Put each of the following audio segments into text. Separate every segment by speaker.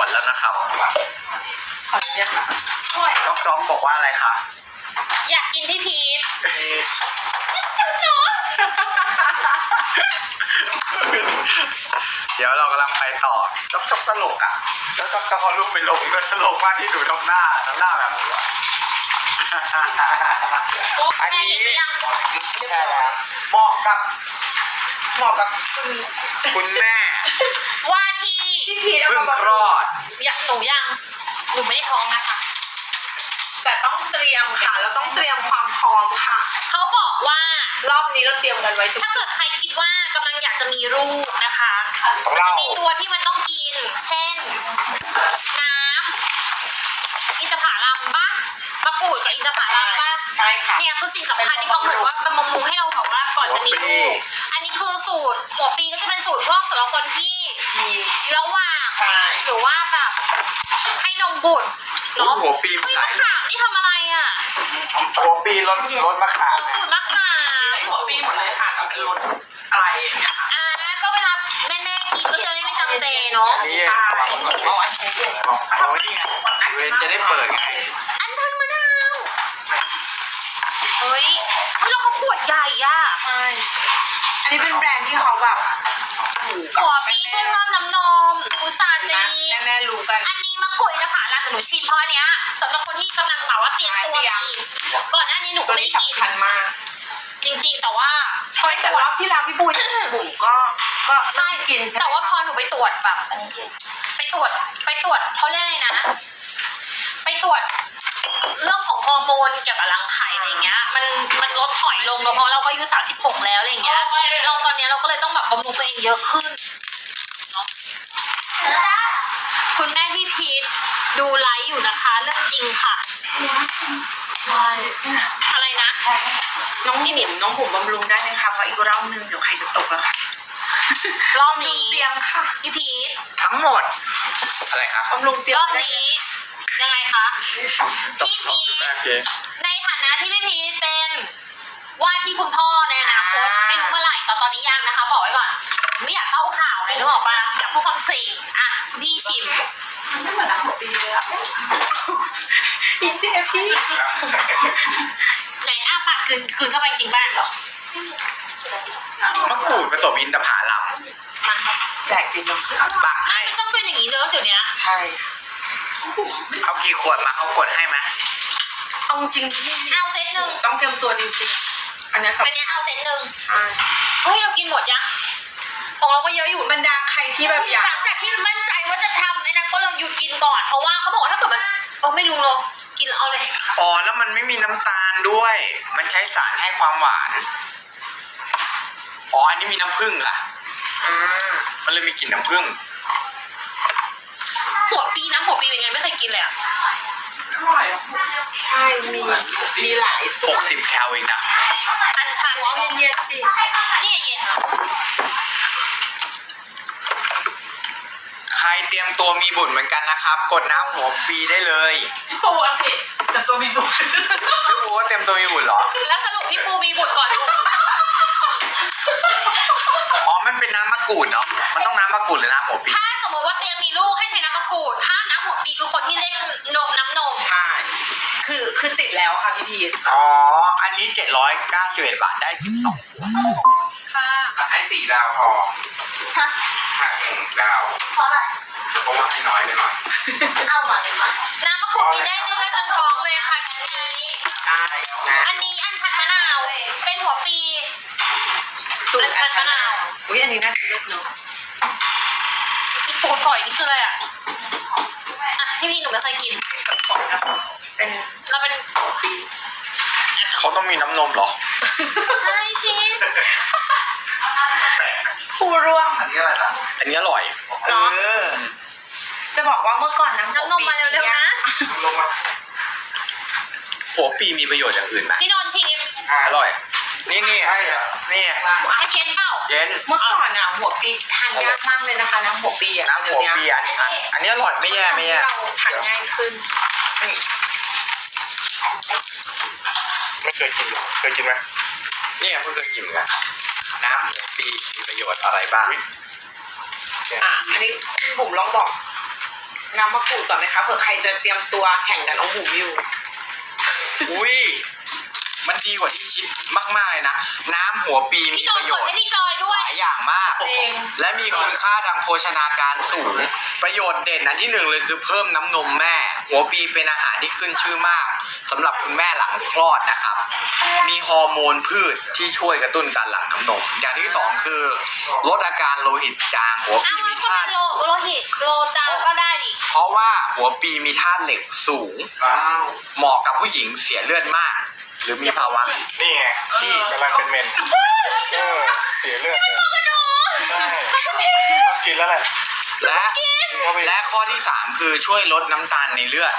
Speaker 1: วดแล้วนะครับ
Speaker 2: ขออนุญาต
Speaker 1: จ๊อกบอกว่าอะไรคะ
Speaker 3: อยากกินพี่พีท
Speaker 1: เดี๋ยวเรากำลังไปต่อจ๊อกตลกอ่ะแล้วจ๊อกเอารูปไปลงด้วยตลกมากที่ดูทำหน้าแบบนี้อันนี้แค่แล้วเหมาะกับคุณแม่
Speaker 3: ว่าที่
Speaker 2: พี่พีทเอา
Speaker 1: เพิ่ง
Speaker 2: มา
Speaker 1: คลอด
Speaker 3: อยากหนูไม่ได้ท้องนะคะ
Speaker 2: แต่ต้องเตรียมค่ะเราต้องเตรียมความพร้อมค่ะ
Speaker 3: เขาบอกว่าร
Speaker 2: อบนี้เราเตรียมกันไว้ทุก
Speaker 3: ถ้าเกิดใครคิดว่ากำลังอยากจะมีลูกนะคะมันจะมีตัวที่มันต้องกิน เช่น น้ำอินทผลัมบ้างมะกรูดกับอินทผลัมบ้าง
Speaker 2: ใช่ค่ะ
Speaker 3: เนี่ยคือสิ่งสำคัญที่เขาเหมือนว่าบำรุงให้เราบอกว่าก่อนจะมีลูก อันนี้คือสูตรหัวปีก็จะเป็นสูตรพวกสำหรับคนที่
Speaker 2: มี
Speaker 3: ระหว่าง
Speaker 2: ใช่
Speaker 3: หรือว่าแบบให้นมบุตรเนาะ
Speaker 1: หัวปี
Speaker 3: เฮ้ย
Speaker 1: ห
Speaker 3: มะ
Speaker 1: ลาย
Speaker 3: ขามนี่ทำอะไรอ่ะ
Speaker 1: หัวปีรถมะขา
Speaker 3: อ๋
Speaker 1: ม
Speaker 3: อสูตรมะขาม
Speaker 2: หัวปีหมดเลยค่ะแต่เป็นรสอะไรเนี่ย
Speaker 3: ก็เวลาแม่กินก็จะได้ไม่จำเจเนาะ
Speaker 1: นี่
Speaker 2: ใช่เอาอันนี้ด้วย
Speaker 1: เอานี่ไงเวนจะได้เปิดไง
Speaker 3: อันชันมะนาวเฮ้ยแล้วเขาขวดใหญ่อ่ะ
Speaker 2: ใช่อันนี้เป็นแบรนด์ที่เขาแบบอยู่กับ
Speaker 3: หัวปีช่วยเพิ่มน้ำนมอุตสาจี
Speaker 2: แม่รู้กัน
Speaker 3: อันนี้มะกรูดอินทผลัมแต่หนูชิมเพราะอันเนี้ยสำหรับคนที่กำลังแบบว่าเตรียมตัวมีก่อนหน้านี้หนูก็
Speaker 2: ตัว
Speaker 3: ไม่
Speaker 2: นี้
Speaker 3: ได้กิน
Speaker 2: สำคัญมาก
Speaker 3: จริงๆแต่ว่าพอ
Speaker 2: เฮ้ย
Speaker 3: ต
Speaker 2: แต่
Speaker 3: รว
Speaker 2: ร
Speaker 3: จ
Speaker 2: อบที่แล้วพี่ปุ้ยบุ๋มก็
Speaker 3: ใช่
Speaker 2: กินใช่ไหม
Speaker 3: แต่ว่าพอหนูไปตรวจแบบไปตรวจเขาเรียกอะไรนะ ไปตรวจเรื่องของฮอร์โมนเกี่ยวกับรังไข่อะไรเงี้ยมันลดถอยลงแล้วเพราะเราก็อายุ36แล้วอะไรเงี้ยเราตอนนี้เราก็เลยต้องแบบบำรุงตัวเองเยอะขึ้นเนาะคุณแม่พี่พีทดูไลฟ์อยู่นะคะเรื่องจริงค่ะอะไรนะ
Speaker 2: น้องบุ๋มบำรุงได้ไหมคะเพราะอีกรอบนึงเดี๋ยวใครจะตกแล้วค่ะ
Speaker 3: รอบนี้
Speaker 2: เตรียมค่ะ
Speaker 3: พี่พีท
Speaker 1: ทั้งหมดอะไรครับ
Speaker 2: บำรุงเตรียม
Speaker 3: รอบนี้ยังไงคะพี่พีท
Speaker 1: โอเค
Speaker 3: ในฐานะที่พี่พีทเป็นว่าที่คุณพ่อในอนาคตไม่รู้เมื่อไหร่แต่ตอนนี้ยังนะคะ บอกไว้ก่อนไม่อยากเต้าข่าวเลยนึกออกปะอยากพูดความจริงอ่ะคุณพี่ชิม
Speaker 2: ไม่เหมือนนักหัวปีเลยอ่ะอีเจพี่
Speaker 3: ไหนปากคืนเข้าไปจริงบ้างเหรอ
Speaker 1: มะกรูดผสมอินทผลัม
Speaker 3: มัน
Speaker 2: แดกกินเนาะ
Speaker 1: บักให้
Speaker 3: ไม่ต้องเป็นอย่างนี้เลยเดี๋ยวนี้
Speaker 2: ใช่
Speaker 1: เอากี่ขวดมาเขากดให้ไหม
Speaker 2: เอาจริงพี่
Speaker 3: เอาเซตหนึ่ง
Speaker 2: ต้องเตรียมตัวจริงๆอันนี้สำ
Speaker 3: อันเนี้ยเอาเซตหนึ่ง
Speaker 2: คัญ
Speaker 3: เฮ้ยเรากินหมดยังของเราก็เยอะอยู่
Speaker 2: บรรดาใครที่แบบอยาก
Speaker 3: หลังจากที่มั่นใจว่าจะทำไอ้นั้นก็เลยหยุดกินก่อนเพราะว่าเขาบอกว่าถ้าเกิดมันไม่รู้เลยกินแล้วเอาเลย
Speaker 1: อ๋อแล้วมันไม่มีน้ำตาลด้วย มันใช้สารให้ความหวาน อ๋ออันนี้มีน้ำผึ้งล่ะ มันเลยมีกลิ่นน้ำผึ้ง
Speaker 3: หัวปีเป็นไงไม่เคยกินเลยอ่ะ
Speaker 2: ใช่มีหลายสูตร
Speaker 1: 60 แคลเองนะ
Speaker 3: อันชัน
Speaker 2: เอาเย็นๆสิ
Speaker 3: นี่เย็นเหรอ
Speaker 1: ใครเตรียมตัวมีบุตรเหมือนกันนะครับ กดน้ำหัวปีได้เลย
Speaker 2: พี่ปูอันนี้แต่ตัวมีบุญ
Speaker 1: พี่ปูว่าเตรียมตัวมีบุตรเหรอ
Speaker 3: แล้วสรุปพี่ปูมีบุตรก่อนลูก
Speaker 1: อ๋อ มันเป็นน้ำมะกรูดเนาะ มันต้องน้ำมะกรูดหรือน้ำหัวปี
Speaker 3: ถ้าสมมติว่าเตรียมมีลูกให้ใช้น้ำมะกรูดถ้าน้ำหัวปีคือคนที่เล่นน้ำนม
Speaker 2: ใช่คือติดแล้วค่ะพี่พีท
Speaker 1: อ๋อ อันนี้791 บาทได้12ขวด
Speaker 3: ค่ะ
Speaker 1: ให้4 ดาวพอ
Speaker 3: ฮะ
Speaker 1: หัก1 ดาว
Speaker 3: เพราะอะไร
Speaker 1: เพราะว่าให้น้อยไปหน่อย
Speaker 3: เอามาน้ำมะกรูดกินได้เรื่อยๆจนท้องเลยค่ะทีนี้
Speaker 2: ใช่นะ
Speaker 3: อันนี้อันชันมะนาวเป็นหัวปี
Speaker 2: สูตร
Speaker 3: อันชันมะนาว
Speaker 2: อุ้ยอันนี้น่าจะเลิศเนาะ
Speaker 3: อีกตัวฝอยนี่คืออะไรอ่ะพี่หนูไม่เคยกิน
Speaker 2: เป็น
Speaker 3: เราเป็น
Speaker 1: เขาต้องมีน้ำนมเหรอ
Speaker 3: ใช่จริง
Speaker 2: ผู้ร่วม
Speaker 1: อันนี้อะไรนะ อันนี้อร่อย
Speaker 3: เนาะ
Speaker 2: จะบอกว่าเมื่อก่อนน้ำ
Speaker 3: น้ำนมมาเร็วๆนะ
Speaker 1: หัวปีมีประโยชน์อย่างอื่นไหม
Speaker 3: พี่นนท์ชิม
Speaker 1: อร่อย นี่ใช่นี่
Speaker 3: ให้เย็นเปล่า
Speaker 1: เย็น
Speaker 2: เมื่อก่อนอ่ะหัวปีทานยากมากเลยนะคะน้ำหัวปีอ่ะ
Speaker 1: น้ำหัวปีอันนี้อร่อยไม่แย่ไม่แย่
Speaker 2: เราทานง่ายขึ้นนี่
Speaker 4: ไม่เคยกินหรอเคยกินไหม
Speaker 1: นี่เพิ่งเคยกินกันน้ำหัวปีมีประโยชน์อะไรบ้าง
Speaker 2: อันนี้คุณบุ๋มลองบอกน้ำมะกรูดก่อนไหมคะเผื่อใครจะเตรียมตัวแข่งกับน้องบุ๋มอยู่
Speaker 1: อุ้ยมันดีกว่าที่คิดมากๆเลยนะน้ำหัวปีมี
Speaker 3: พี่โด
Speaker 1: ป
Speaker 3: น
Speaker 1: ระโย
Speaker 3: กด
Speaker 1: ชน์
Speaker 3: ให้พี่จอยด้
Speaker 1: ห
Speaker 3: วย
Speaker 1: ลายอย่างมาก
Speaker 2: จริง
Speaker 1: และมีคุณค่าทางโภชนาการสูง ประโยชน์เด่นอันที่หนึ่งเลยคือเพิ่มน้ำนมแม่ หัวปีเป็นอาหารที่ขึ้นชื่อมากสำหรับคุณแม่หลังคลอดนะครับ มีฮอร์โมนพืชที่ช่วยกระตุ้นการหลั่งน้ำนม อย่างที่สองคือลดอาการโลหิตจางหัวปี
Speaker 3: อ้าว
Speaker 1: มี
Speaker 3: แล้วก็
Speaker 1: ธา
Speaker 3: เป็
Speaker 1: ตุ
Speaker 3: นโลหิตโลจางก็ได้ดิ
Speaker 1: เพราะว่าหัวปีมีธาตุเหล็กสูง เหมาะกับผู้หญิงเสียเลือดมาก หรือมีภาวะ
Speaker 4: นี่ไง
Speaker 1: ที่
Speaker 4: กำลังเป็นเมนเสียเลือดเลยใช่กินแล้วแหละ
Speaker 1: และและข้อที่สามคือช่วยลดน้ำตาลในเลือด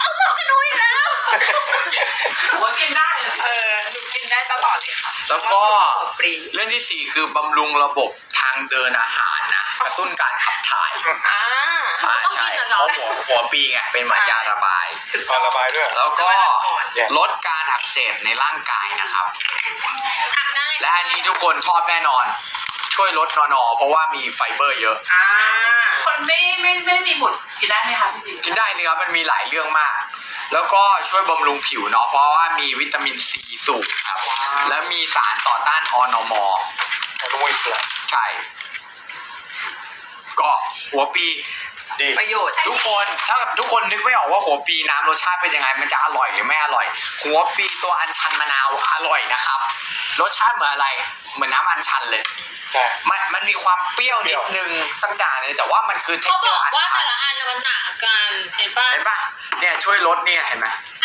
Speaker 2: ผมว่ากินได้หนูกินได้ตลอดเลยค่ะ
Speaker 1: แล้วก็
Speaker 2: หัวปรี
Speaker 1: เรื่องที่สี่คือบำรุงระบบทางเดินอาหารนะกระตุ้นการขับถ่าย
Speaker 2: อ่า
Speaker 1: ใช่เพราะหัวปีไงเป็นเหมือนยาระบาย
Speaker 2: ถึง
Speaker 4: พอระบายด้วย
Speaker 1: แล้วก็ลดการอักเสบในร่างกายนะครับ
Speaker 3: หักได้
Speaker 1: และอันนี้ทุกคนชอบแน่นอน ช่วยลดนอเพราะว่ามีไฟเบอร์เยอะ
Speaker 2: อ่า
Speaker 5: คนไม่มีบุตรกินได้ไหมคะพี่
Speaker 1: กินได้เลยครับมันมีหลายเรื่องมาก แล้วก็ช่วยบำรุงผิวเนาะเพราะว่ามีวิตามินซีสูงครับ และมีสารต่อต้านอนม
Speaker 4: อนุมูลอิสระ
Speaker 1: ใช่ ก็หัวปี
Speaker 4: ดี
Speaker 2: ประโยชน์
Speaker 1: ทุกคนถ้าทุกคนนึกไม่ออกว่าหัวปีน้ำรสชาติเป็นยังไง มันจะอร่อยหรือไม่อร่อย หัวปีตัวอัญชันมะนาวอร่อยนะครับ รสชาติเหมือนอะไร เหมือนน้ำอัญชันเลย
Speaker 4: ใช่
Speaker 1: มันมีความเปรี้ยวนิดนึงสักอย่างเลยแต่ว่ามันคือเท็
Speaker 3: เขา
Speaker 1: กเจ
Speaker 3: บ
Speaker 1: อ
Speaker 3: อก
Speaker 1: ร์อัญ
Speaker 3: ว่า
Speaker 1: ชั
Speaker 3: แต่
Speaker 1: น
Speaker 3: ละอันน่ะมันต่างกันเห็นป่ะ
Speaker 1: เห็นปะเนี่ยช่วยลดเนี่ยเห็นไหม